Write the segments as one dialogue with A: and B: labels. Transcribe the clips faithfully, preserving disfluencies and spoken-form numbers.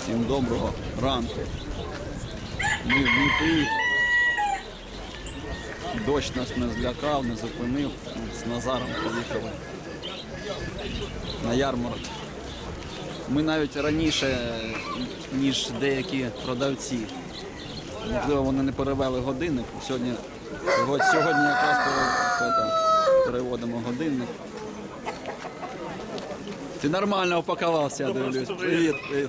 A: Всім доброго ранку. Ми в Дніпрі. Дощ нас не злякав, не зупинив. З Назаром поїхали на ярмарок. Ми навіть раніше, ніж деякі продавці. Можливо, вони не перевели годинник. Сьогодні, сьогодні якраз переводимо годинник. Ти нормально упакувався, я дивлюсь. Привіт, привіт.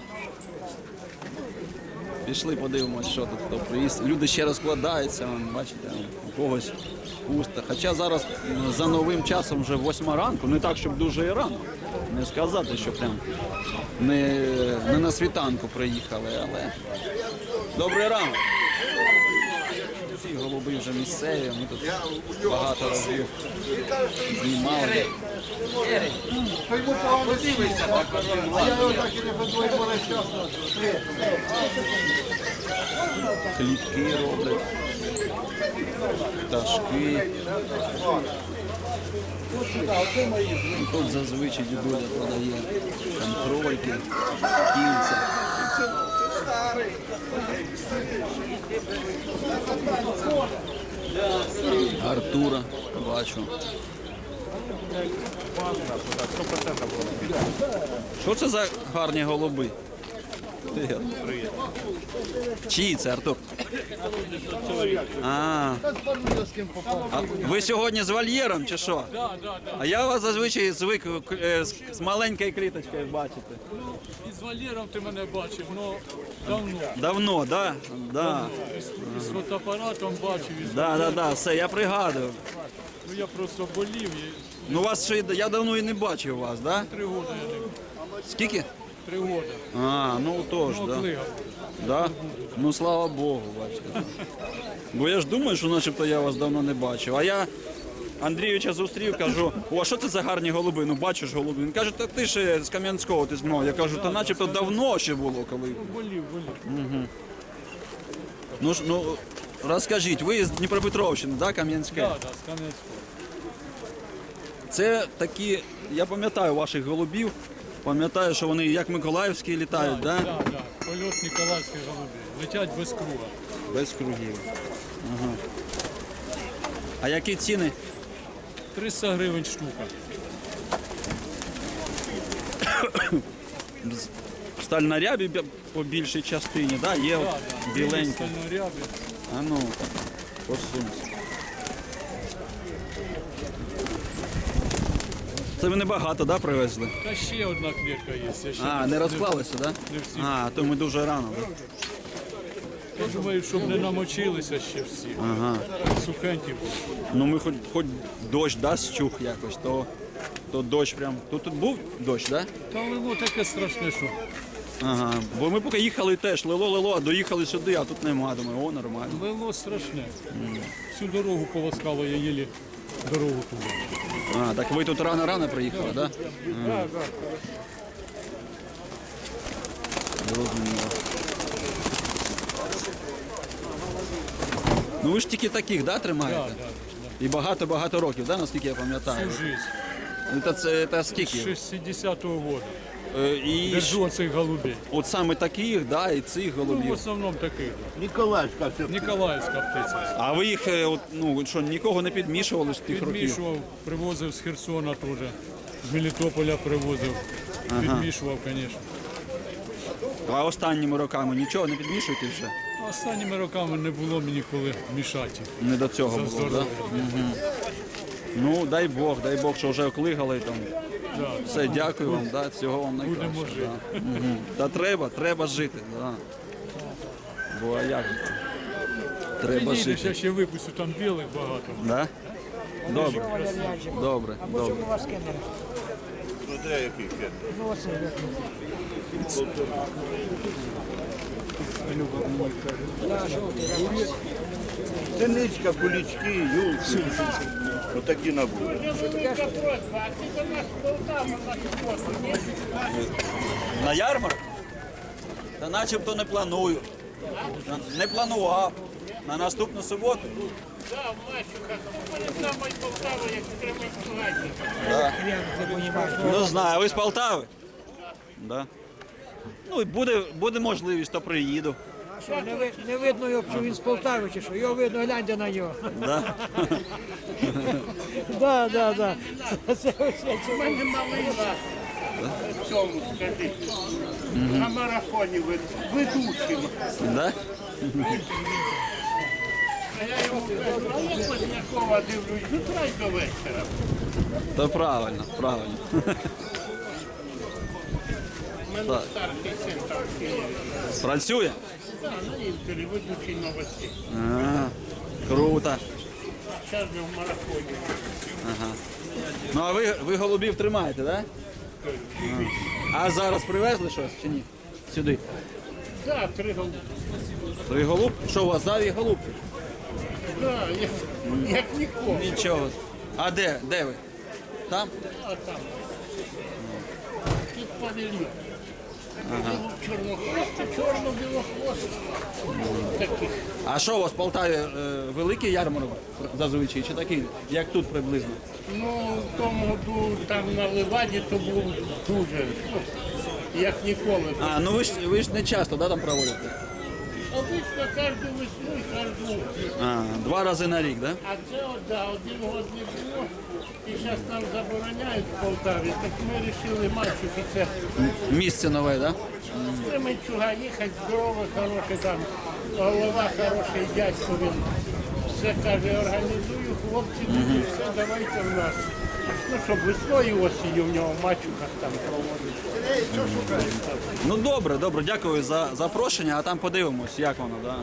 A: Пішли, подивимось, що тут хто приїзд. Люди ще розкладаються, бачите, у когось пусто. Хоча зараз за новим часом вже восьма ранку, не так, щоб дуже і рано. Не сказати, що прям не, не на світанку приїхали, але добрий ранок. Ці голуби вже місцеві, ми тут багато разів знімали. Клітки роблять, пташки. Тут зазвичай дідуля продає контрольки, кільця. Артура бачу. Що це за гарні голуби? Привіт. Чиї це, Артур? А, а ви сьогодні з вольєром чи що? А я вас зазвичай звик з маленькою кліточкою бачити.
B: Із вольєром ти мене бачив, але давно.
A: Давно, да? Да.
B: Із фотоапаратом бачив. Із
A: Да, да, да, все, я пригадую.
B: Ну я просто болів. І...
A: Ну вас ще, я давно і не бачив вас, да?
B: Три роки я не...
A: Скільки?
B: Три роки.
A: А, ну тож,
B: Ну,
A: да.
B: клигав.
A: Да? Ну слава Богу, бачите. Бо я ж думаю, що начебто я вас давно не бачив. А я Андрійовича зустрів, кажу, о, а що це за гарні голуби? Ну бачиш голуби. Він каже, та ти ж з Кам'янського, ти з мною. Я кажу, та начебто давно ще було, коли.
B: Болів, болів.
A: Угу. Ну ж, ну розкажіть, ви з Дніпропетровщини, да, Кам'янське?
B: Так, так, з Кам'янського.
A: Це такі, я пам'ятаю ваших голубів, пам'ятаю, що вони як Миколаївські літають, так?
B: Так, так, польот Ніколаївських голубів. Летять без круга.
A: Без кругів. Ага. А які ціни?
B: триста гривень штука.
A: Сталь на рябі по більшій частині, да? Є
B: Так, так.
A: біленькі.
B: Стальнорябі.
A: А ну, посунься. Це ви небагато, да, привезли?
B: Та ще одна клітка є. Я ще
A: А, не розклалися, да?
B: Не всі.
A: А, то ми дуже рано. Да?
B: Я думаю, щоб не намочилися ще всі.
A: Ага.
B: Сухенькі були.
A: Ну ми хоч, хоч дощ дасть чух якось, то, то дощ прям. Тут, тут був дощ, да?
B: Та лило таке страшне, що
A: Ага. Бо ми поки їхали теж, лило, лило, а доїхали сюди, а тут нема. Думаю, о, нормально.
B: лило страшне. Всю дорогу полоскало, я їлі дорогу туди.
A: А, так ви тут рано-рано приїхали, так? Да?
B: Так, так.
A: Зрозуміло. Ну ви ж тільки таких, да, тримаєте?
B: Так, так.
A: І багато-багато років, да, наскільки я пам'ятаю?
B: Всю жизнь.
A: Це, це, це
B: З
A: скільки?
B: шістдесятого року.
A: Е, І
B: Держу оцих голубей.
A: от саме таких, да, і цих
B: Ну, в
A: голубів.
B: основному таких.
C: Ніколаївська все.
B: Ніколаївська птиця.
A: А ви їх, е, от, ну, що, нікого не підмішували з тих років?
B: Підмішував, привозив з Херсона теж. З Мелітополя привозив. Підмішував, звісно.
A: А останніми роками нічого не підмішуєте вже?
B: Останніми роками не було мені коли мішати.
A: Не до цього
B: За
A: було, так?
B: здоров'я.
A: Да? Ну, дай Бог, дай Бог, що вже оклигали там.
B: Да.
A: Все, дякую вам, да, всього вам найкращого.
B: Будемо жити.
A: Да. Угу. Та треба, треба жити. Да. Бо а як? же? Треба
B: Підійдеш,
A: жити.
B: я ще випустю, там білих багато.
A: Да? Добре, добре, добре.
C: Смотря який фен. Синичка, кулички, юлки. Отакі набори.
A: На ярмарок? Та начебто не планую. Не планував. На наступну суботу?
D: Да, в Лащуках. Перед самою Полтавою, як тримають
A: Да. Ну знаю, ви з Полтави? Да. Ну і буде, буде можливість, то приїду.
E: Що, не, ви- не видно його, що він з Полтави чи що? Його видно, гляньте на нього.
A: Да?
E: Да, да, да. Це, це, це,
D: У мене малий на цьому, скажи, на марафоні вед- ведучим.
A: Да?
D: А я його кажу, а я Познякова дивлюсь, ну трай до вечора.
A: То правильно, правильно.
D: У мене
A: Так.
D: старший син там в Києві.
A: Працює?
D: Так, на інтері, ведучий новостей.
A: А, круто.
D: Зараз же в марафоні.
A: Ну а ви, ви голубів тримаєте, так? Да? А зараз привезли щось чи ні? Сюди.
D: Так, три голуби.
A: Три голубки? Що у вас заві голубки?
D: Так, як, як ніколи.
A: Нічого. А де? Де ви? Там?
D: А там. Тут павільйон. Ага. Чорнохвости, чорно-білохвости. Таких.
A: А що у вас в Полтаві е, великий ярмарок зазвичай чи такий, як тут приблизно?
D: Ну, в тому году там на Ливаді то був дуже, ну, як ніколи.
A: А, ну ви ж ви ж не часто, да, там проводите?
D: Обично кожну весну і кожну.
A: А, два рази на рік, да?
D: А це от, да, один год не було. І зараз нам забороняють в Полтаві, так ми вирішили мальчик і це
A: Місце нове, да?
D: з Кременчуга їхати, здоровий, хороший там, голова, хороший дядько, він все каже, організую, хлопці, тоді все, давайте в нас. Ну, щоб весною осінню в нього в мачухах там проводити.
A: Ну добре, добре, дякую за запрошення, а там подивимось, як воно, да?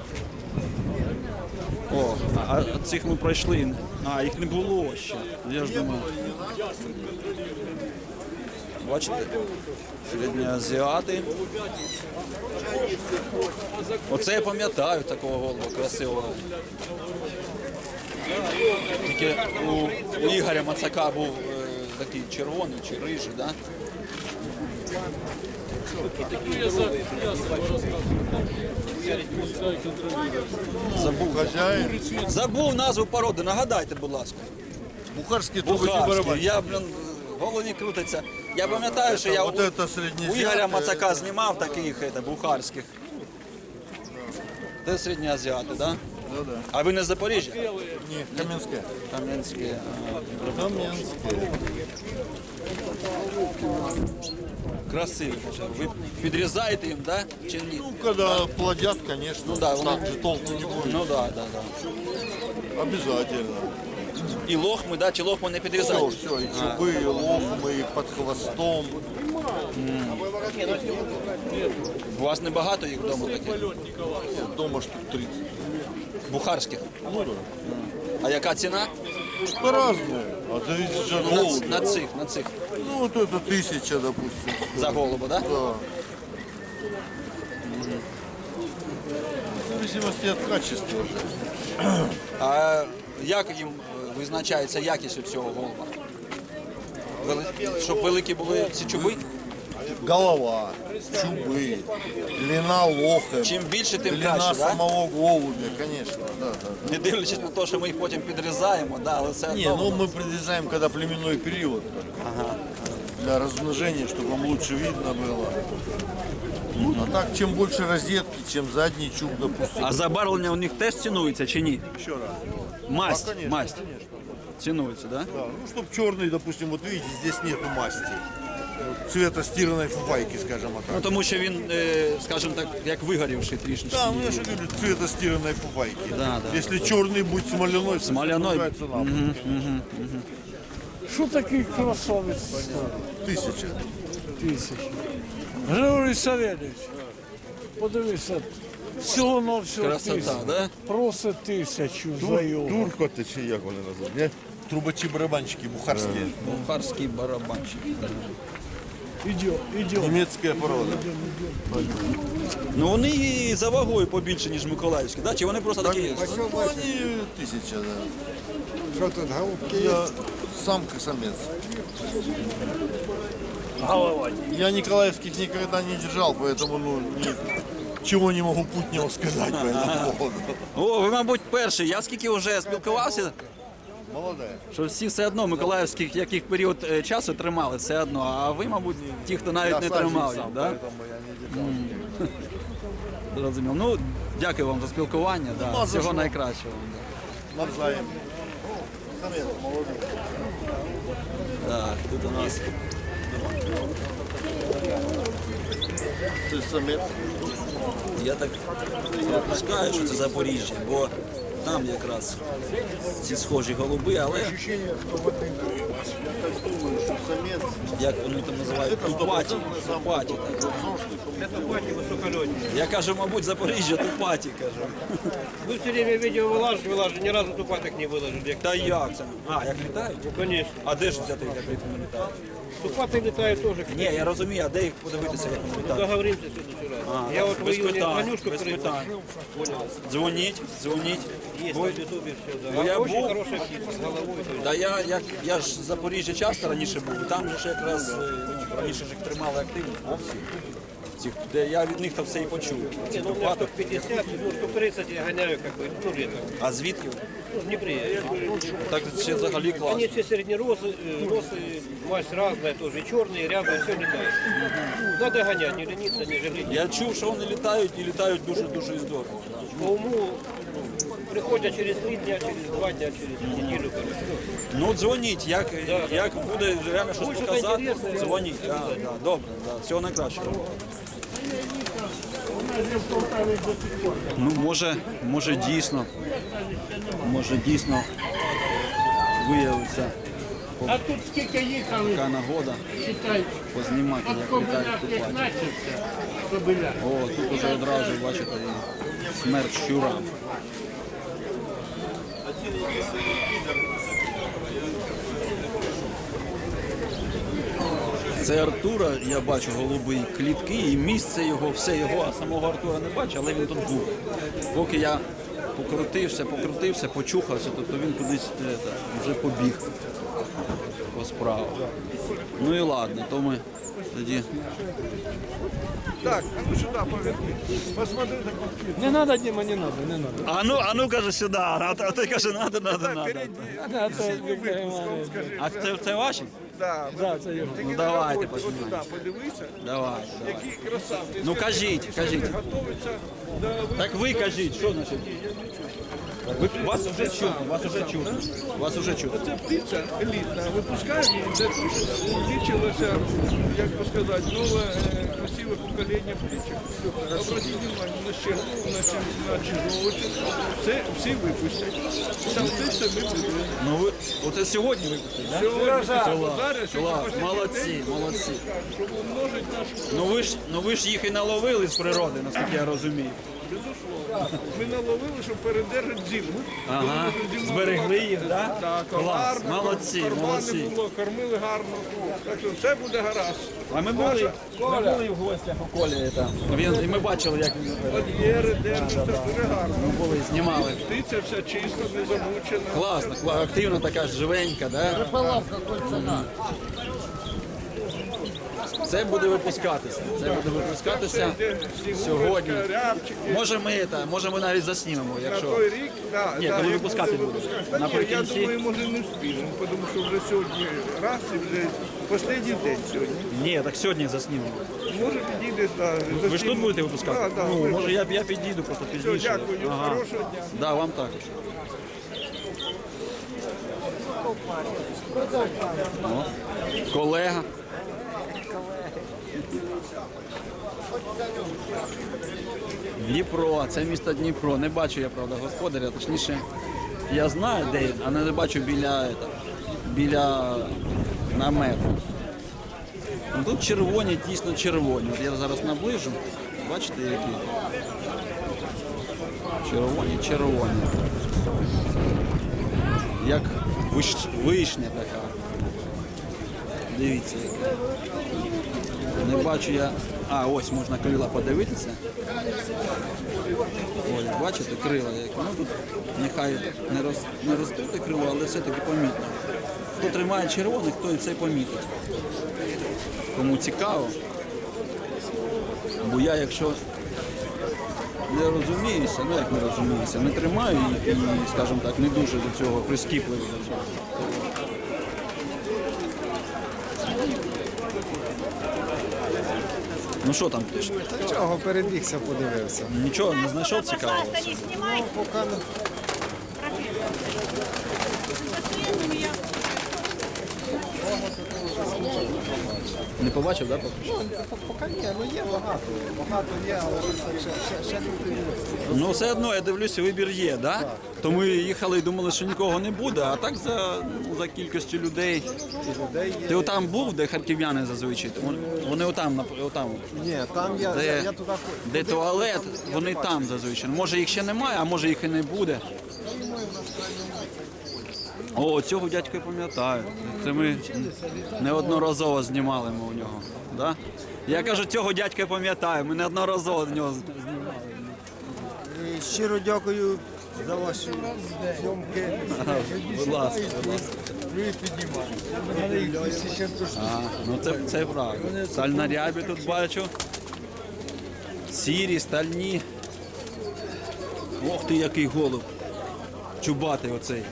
A: О, а а цих ми пройшли. А, їх не було ще. Я ж думаю. Бачите? Середньоазіати. Оце я пам'ятаю такого голуба красивого. Тільки у, у Ігоря Мацака був е, такий червоний чи рижий, да? Забув.
C: Хозяин.
A: Забув назву породи, нагадайте, будь ласка.
C: Бухарский трубочный
A: Бухарський.
C: барабан.
A: Я, блін, в голові крутиться. Я пам'ятаю, що я
C: Вот
A: у,
C: это
A: у
C: среднеземное.
A: Ігоря Мацака знімав таких це, бухарських. Це середньоазіати, так? Да?
C: Ну да.
A: А ви не з Запоріжжя?
C: Не, Каменская.
A: Кам'янські. а,
C: Каменская.
A: Красиві. Ви підрізаєте їм, да? Чи ні?
C: Ну, когда плодят, конечно,
A: Ну да,
C: так же толку не будет.
A: Ну так, так, так.
C: Обязательно.
A: І лохми, да? Чи лохми не
C: Все,
A: підрізаєте?
C: все, и чубы, и лохмы, и под хвостом.
A: У вас небагато їх вдома таких?
C: Нет, дома штук тридцать.
A: Бухарських.
C: Ну да.
A: А яка ціна?
C: По-разному. А зависит же от
A: На, ц-
C: голубя.
A: на цих, на цих.
C: Ну, вот это тысяча, допустим.
A: За голуба, да?
C: Да. В зависимости от качества.
A: А як їм е, визначається якість у цього голуба? Вели... Щоб великі були ці чуби?
C: Голова, чубы, длина лоха,
A: Чим більше, тим
C: длина
A: краще, да?
C: самого голубя, конечно. Да, да,
A: Не дивлячись на те, що ми їх потім підрізаємо, да, але все
C: да. Не,
A: одно.
C: ну мы предрезаем, когда племенной период. только. Для размножения, чтобы вам лучше видно было. А так, чем больше розетки, чем задний чуб, допустим.
A: А забарвлення у них теж цінується чи ні?
C: Еще раз.
A: Масть,
C: А, конечно,
A: масть. Цінується, да?
C: Да, ну, чтобы черный, допустим, вот видите, здесь нету масти. Вот цвета стиранной фуфайки, скажем
A: Ну
C: так.
A: тому що він, е, скажімо так, як вигорівший трішечки.
C: Да, ну я же говорю, цвета стиранной фуфайки.
A: Да, да,
C: Если черный будет смоляной, то
A: Смоляной.
C: называется нам.
E: що такий красавець?
C: Тысяча.
E: Тисяч. Григорій Савельович, подивися, всього на всього
A: Красота,
E: тисяч.
A: да?
E: Просить тисячу за його.
C: Турко-то чи як вони називають, не? Трубачі барабанчики бухарські.
A: Бухарський барабанчик.
E: Ідем, ідем.
C: Німецька порода.
A: Ну вони і за вагою побільше, ніж Миколаївські, да? Чи вони просто такі є?
C: Ну, вони тисяча, да.
F: Що тут голубки є?
C: Я самка-самец. Я николаевских никогда не держал, поэтому ну, ничего не могу путнего сказать по этому поводу.
A: О, ви, мабуть, перший. Я скільки вже спілкувався
C: Молодая.
A: Що всі все одно миколаївських яких період е, часу тримали, все одно. А ви, мабуть, ті, хто навіть
C: Я
A: не
C: сам
A: тримав
C: сам,
A: їх, да?
C: поэтому я не детал.
A: Зрозумів. Ну, дякую вам за спілкування. Да.
C: Нема за
A: Всього
C: що.
A: найкращого.
C: Навзаєм. Самец молодой.
A: Так, тут у нас
C: Ты самец.
A: я так припускаю, що це Запоріжжя, бо там якраз ці схожі голуби, але
C: Ощущение, что в этой... Я так думаю, что самец...
A: як вони там називають,
C: Это
A: тупаті.
C: стопроцентный сам
A: Тупаті. Я кажу, мабуть, Запоріжжя тупаті, кажу.
G: Вы все время видео выложите, выложите, ни разу тупаток не выложили.
A: Та як це? А, як літають?
G: Ну, конечно.
A: А де ж взяти, як вони літають?
G: Тупаты летают тоже.
A: Ні, я розумію, а де їх подивитися, як вони літають?
G: Договоримся в следующий раз.
A: А,
G: Я вот в
A: без
G: июне
A: питань,
G: звонюшку
A: без питань.
G: Понял.
A: Дзвоніть, дзвоніть.
G: Есть
A: Бо-
G: на ютубе все, да.
A: бо я
G: Очень
A: був-
G: хорошая птица, с головой. То есть.
A: Да я, я, я ж з Запоріжжя часто раніше був, і там же ж якраз е, ну, раніше ж їх тримали активно. Цих, де я від них то все і почув. Ці
G: Не, ну, у меня
A: тупати.
G: штук пятьдесят, ну, штук тридцать я гоняю, как бы, ну, летом.
A: А звідки?
G: Ну, в Днепре. я говорю.
A: Так ще взагалі класно.
G: Они все среднеросы, э, росы, масть разная тоже, и черные, и рябые, все летают. Надо гонять, не лениться, не жалеть.
A: Я чув, що вони літають і літають дуже-дуже і здорово.
G: По уму приходят через три дня, через два дня, через неделю. короче.
A: Ну дзвоніть, як, як буде реально щось
G: Ой, що
A: показати,
G: інтересно, я-
A: дзвоніть. Да, да, добре, да, всього найкращого.
D: У нас же в Полтаві до сих пор.
A: Ну, може, може дійсно, може дійсно виявиться
D: А тут скільки їхали,
A: така нагода
D: читай,
A: познімати,
D: от
A: як
D: Кобиляк
A: літають
D: як
A: купаті.
D: начався, Кобиляк.
A: О, тут уже одразу, бачите, і смерть щура. Це Артура, я бачу голубий клітки, і місце його, все його, а самого Артура не бачу, але він тут був. Поки я покрутився, покрутився, почухався, тобто він кудись е, та, вже побіг по справах. Ну і ладно, то ми тоді.
F: Так, а ну сюда поверни. Посмотри на компьютер.
E: Не треба, Діма, не треба, не треба.
A: А ну, а ну каже сюди, а той- а той каже, надо, надо, надо.
F: Перейди. Випуском скажи.
A: А це, це ваші?
F: Да,
E: Да, це його.
F: Тільки
A: Ну,
F: на
A: давайте,
F: роботі, от
A: познімаємо.
F: туди подивися,
A: Давай, давай.
F: який красавці.
A: Ну, кажіть, кажіть.
F: Готовиться до
A: Так ви кажіть, що значить? Ви, вас вже чутно, вас вже чутно. Вас вже чутно.
F: Це птиця елітна, випускають для того, щоб увеличилося, як би сказати, нове е, красиве покоління птичок. Обратіть увагу на щербу, на, чи- на чижовочок, це всі випустять. Сам птиця ми будемо.
A: Ну ви, оце сьогодні випустили, так?
F: Сьогодні, зараз,
A: Клас,
F: сьогодні останній
A: молодці,
F: день,
A: молодці.
F: щоб умножити нашу
A: Ну ви ж, ну ви ж їх і наловили з природи, наскільки я розумію.
F: безусловно. Ми наловили, щоб передержати зиму.
A: Ага,
F: Зиму
A: зберегли їх, так?
F: Так,
A: Клас,
F: гарно,
A: молодці,
F: кармани
A: молодці.
F: було, кормили гарно. Так що все буде гаразд.
A: А ми були, ми були в гостях у Колі, там. Він, і ми бачили, як він
F: Вольєри держаться дуже гарно.
A: були, знімали.
F: Птиця вся чиста, не замучена.
A: Класно, кла- активна така ж живенька, да? Це буде випускатися. Це буде випускатися сьогодні.
F: Рябчики.
A: Може ми, та, може ми навіть заснімемо,
F: На
A: якщо.
F: той рік, да,
A: Ні,
F: да,
A: коли
F: як
A: випускати
F: буде
A: буде.
F: випускати. Та ні, я
A: Наприкінці.
F: думаю, може не встигнемо, тому що вже сьогодні раз і вже останній день сьогодні.
A: Ні, так сьогодні заснімемо.
F: Може підійдеш, да,
A: Ви ж тут будете випускати?
F: Так, так.
A: Ну, може я, я підійду просто
F: Все,
A: пізніше.
F: дякую, хорошого дня.
A: Да, вам також. О, колега. Дніпро, це місто Дніпро. Не бачу я, правда, господаря, точніше, я знаю, де він, а не бачу біля, ета, біля намету. Ну, тут червоні, дійсно червоні. От я зараз наближу. Бачите, які? Червоні, червоні. Як виш... вишня така. Дивіться. яка. Не бачу я. А, ось можна крила подивитися. Ось, бачите, крила які. Ну тут нехай не, роз... не ростуть крила, але все-таки помітно. Хто тримає червоних, той це помітить. Кому цікаво. Бо я, якщо не розуміюся, ну як не розуміюся, не тримаю і, і, скажімо так, не дуже до цього прискіпливий до цього. Ну що там пише?
H: Чого перебігся, подивився.
A: Нічого не знайшов цікавого?
I: Пожалуйста, не снимай.
H: Поки не
A: Не побачив, так? Поки що?
H: поки ні, ну є багато. Багато є, але ще, ще, ще не подивився.
A: Ну все одно, я дивлюся, вибір є, да? То ми їхали і думали, що нікого не буде, а так за, ну, за кількістю людей.
H: Людей є.
A: Ти отам був, де харків'яни зазвичай? Вони, вони отам, нап- отам.
H: Ні, там я,
A: Де,
H: я, я туди ходив.
A: де туалет, вони там зазвичай. Може їх ще немає, а може їх і не буде. О, цього дядька я пам'ятаю. Це ми неодноразово знімали ми у нього. Да? Я кажу, цього дядька я пам'ятаю, ми неодноразово в нього знімали.
H: Щиро дякую за ваші зйомки.
A: Будь ласка, будь ласка. А, ну це, це правда. Стальнарябі тут бачу. Сірі, стальні. Ох ти, який голуб. Чубатий оцей.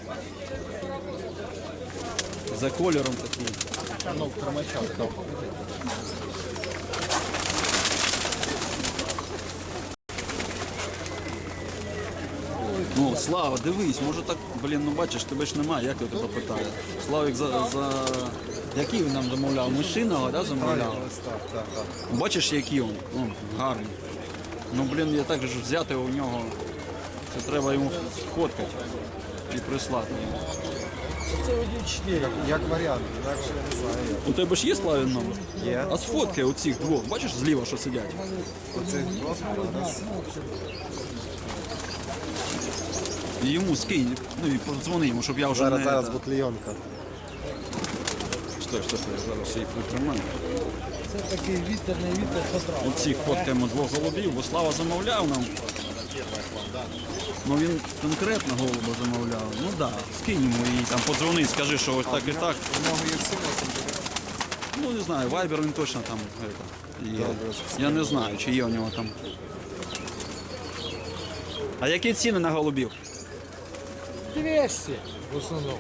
A: За кольором такий. Ну, Слава, дивись, може так, блін, ну бачиш, тебе ж немає, як я тебе питаю. Славік за, за... Який він нам замовляв? Мишиного, да, замовляв?
H: Так, так, так.
A: Бачиш, який він? Ну, гарний. Ну, блін, я так же взяти у нього. Це треба йому сфоткати і прислати.
H: Як, як варіант, інакше я не знаю.
A: У тебе ж є Славін номер?
H: Є.
A: А сфоткай оцих двох. Бачиш зліва, що сидять?
H: Оцих двох у нас.
A: І йому скинь, ну і подзвони йому, щоб я вже
H: Зараз,
A: не...
H: зараз
A: та-
H: бутлейонка.
A: Стой, стой, стой, я зараз їх притримаю.
E: Це такий вітер, не вітер, потрапив.
A: Оцих фоткаємо двох голубів, бо Слава замовляв нам. Ну він конкретно голуба замовляв. Ну так, да, скинь йому і там подзвони, скажи, що ось так і так.
H: У нього є всі носом.
A: Ну не знаю, Вайбер він точно там это, є. Я не знаю, чи є у нього там. А які ціни на голубів?
E: двісті в основному.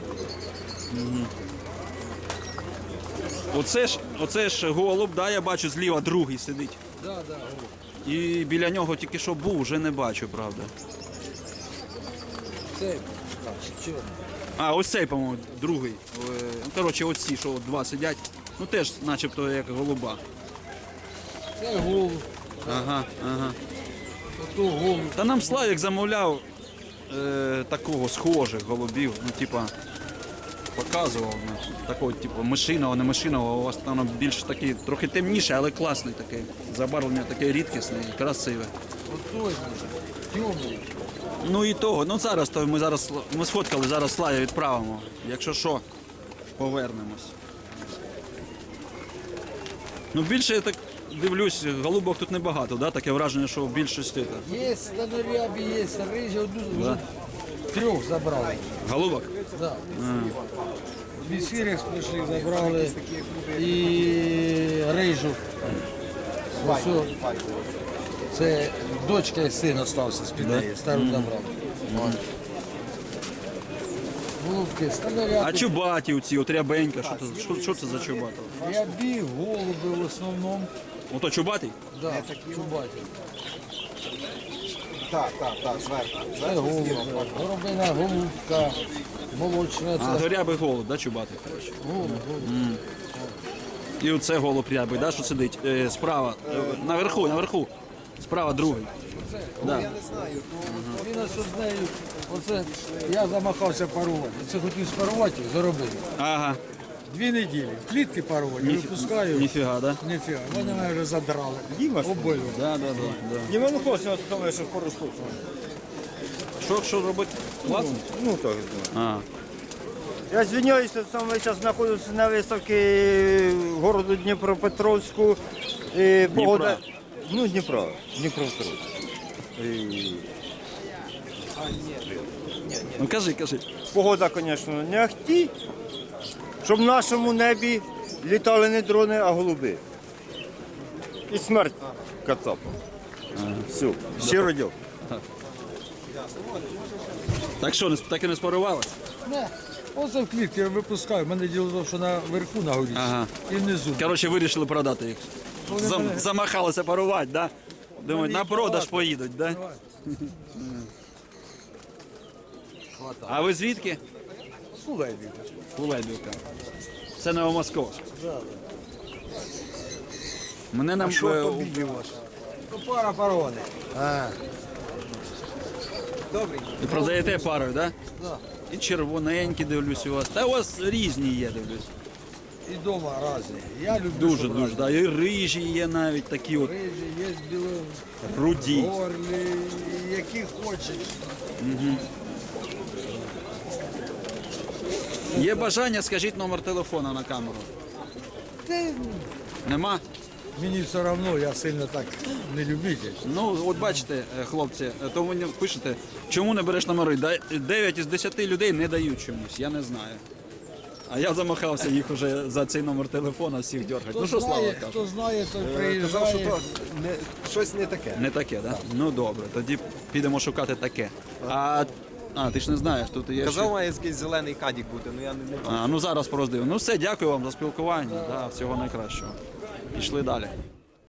A: Оце ж, оце ж голуб, да, я бачу, зліва другий сидить.
E: Да, да.
A: І біля нього тільки що був, вже не бачу, правда.
E: Це так, чорний.
A: А, ось цей, по-моєму, другий. Е, Ну, коротше, оці, що от два сидять. Ну теж начебто як голуба.
E: Це голуб,
A: Ага, ага.
E: ото голуб.
A: Та нам Славік замовляв е, такого схожих голубів, ну типа показував ну, такого, типу, мишиного, не мишиного, у вас там воно більш такий, трохи темніше, але класний такий. Забарвлення таке рідкісне і красиве.
E: Отой, темний.
A: Ну і того, ну зараз то ми зараз ми сфоткали, зараз Славі відправимо. Якщо що, повернемось. Ну більше я так дивлюсь, голубок тут небагато, да? Таке враження, що в більшості. так.
E: Є станорябі, є рижі, одну
A: Да.
E: вже трьох забрали.
A: Голубок?
E: Да. Від сірих прийшли, забрали і рижу. Ось о, це дочка і син остався з під неї, стару забрав. Голубки, станорябі.
A: А чубаті оці, от рябенька, що, це- що, що це за чубата?
E: Рябі, голуби в основному.
A: Ото чубатий?
E: Да, чубаті.
H: Так, так, так, зверху.
E: Це голуби. Горобина, голубка, молочна.
A: А,
E: Це
A: то рябий голуб, да, чубатий, коротше.
E: голуб, голуб.
A: І оце голуб рябий, да, що сидить е, справа, е, наверху, наверху. Справа другий. Да.
H: Я не знаю, то
E: Він ось з нею, оце я замахався парувати. Це хотів спарувати, заробив.
A: Ага,
E: Дві неділі. В клітки парувати, випускаю.
A: ніфіга, да?
E: Ніфіга, вони мене вже задрали. Обоє.
A: Да, да, да, да.
C: Не могу просто оставить, что пару штук.
A: Що, що робити? Класно?
C: Ну так.
A: А,
J: Я звиняюсь, що саме зараз знаходжуся на виставці городу Дніпропетровську. І погода... Ну, Дніпро, Дніпропетровськ. І
A: ну кажи, кажи.
J: погода, звісно, не ахті, щоб в нашому небі літали не дрони, а голуби. І смерть кацапа. Все, щиро дякую.
A: Так що, не- так і не спарувалися?
E: Не, оце в клітки я випускаю. У мене діло в тому, що наверху на горі
A: Ага.
E: і внизу.
A: Коротше, вирішили продати їх.
E: Вони
A: Зам,
E: мене-
A: Замахалися парувати, да? Думають,
E: Вони
A: на продаж
E: багато.
A: поїдуть, да? А ви звідки?
E: Кулебівка.
A: Кулебівка. Це Новомосковськ. Мене нам е, у-
E: Пара парони.
A: і продаєте парою, да?
E: Да.
A: І червоненькі дивлюсь у вас. Та у вас різні є, дивлюсь.
E: І вдома різні. Я люблю,
A: Дуже
E: щоб
A: дуже.
E: різні.
A: Да. І рижі є навіть такі от
E: Рижі, є біло,
A: руді.
E: горлі, які хочеш.
A: Є бажання, скажіть номер телефона на камеру.
E: Ти,
A: Нема?
E: мені все одно, я сильно так не любитель.
A: Ну, от бачите, е, хлопці, е, то ви мені пишете, чому не береш номери? Да- дев'ять із десяти людей не дають чомусь, я не знаю. А я замахався їх уже за цей номер телефона всіх дергати.
E: Хто
A: Ну що, Слава
E: знає,
A: каже?
E: хто знає, той
H: Казав, що
E: приїжджає.
H: то не, щось не таке.
A: Не таке, так? Да? Ну добре, тоді підемо шукати таке. А, а ти ж не знаєш, тут є.
H: Казав,
A: ще-
H: має якийсь зелений кадік бути, ну я не, не
A: А, ну зараз пороздив. Ну все, дякую вам за спілкування. Да, всього найкращого. Пішли далі.